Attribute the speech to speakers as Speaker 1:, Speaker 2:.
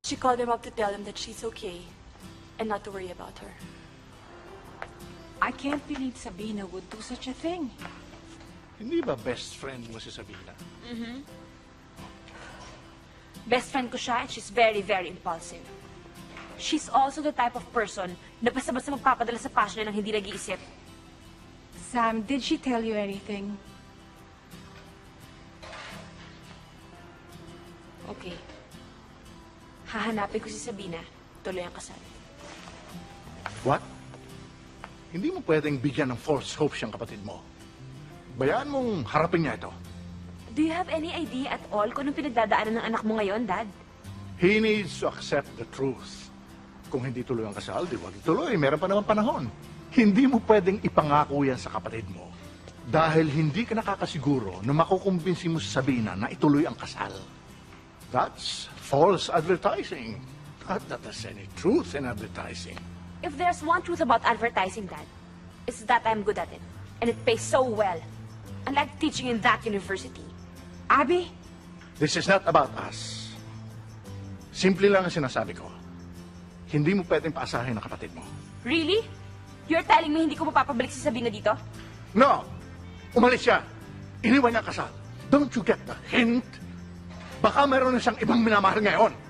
Speaker 1: She called him up to tell him that she's okay and not to worry about her.
Speaker 2: I can't believe Sabina would do such a thing.
Speaker 3: Hindi ba best friend mo si Sabina?
Speaker 4: Best friend ko siya and she's very, very impulsive. She's also the type of person na basta-basta magpapadala sa passion niya nang hindi nag-iisip.
Speaker 2: Sam, did she tell you anything?
Speaker 4: Okay. Hahanapin ko si Sabina. Tuloy ang kasal.
Speaker 3: What? Hindi mo pwedeng bigyan ng false hope siyang kapatid mo. Bayaan mong harapin niya ito.
Speaker 4: Do you have any idea at all kung anong pinagdadaanan ng anak mo ngayon, Dad?
Speaker 3: He needs to accept the truth. Kung hindi tuloy ang kasal, di wag ituloy. Meron pa naman panahon. Hindi mo pwedeng ipangako yan sa kapatid mo. Dahil hindi ka nakakasiguro na makukumbinsi mo sa Sabina na ituloy ang kasal. That's false advertising. Not that there's any truth in advertising.
Speaker 4: If there's one truth about advertising, Dad, it's that I'm good at it. And it pays so well. Unlike teaching in that university.
Speaker 2: Abby?
Speaker 3: This is not about us. Simple lang ang sinasabi ko. Hindi mo pwedeng paasahin ang kapatid mo.
Speaker 4: Really? You're telling me hindi ko mapapabalik si Sabina dito?
Speaker 3: No! Umalis siya. Iniwan niya ang kasal. Don't you get the hint? Baka meron na siyang ibang minamahal ngayon.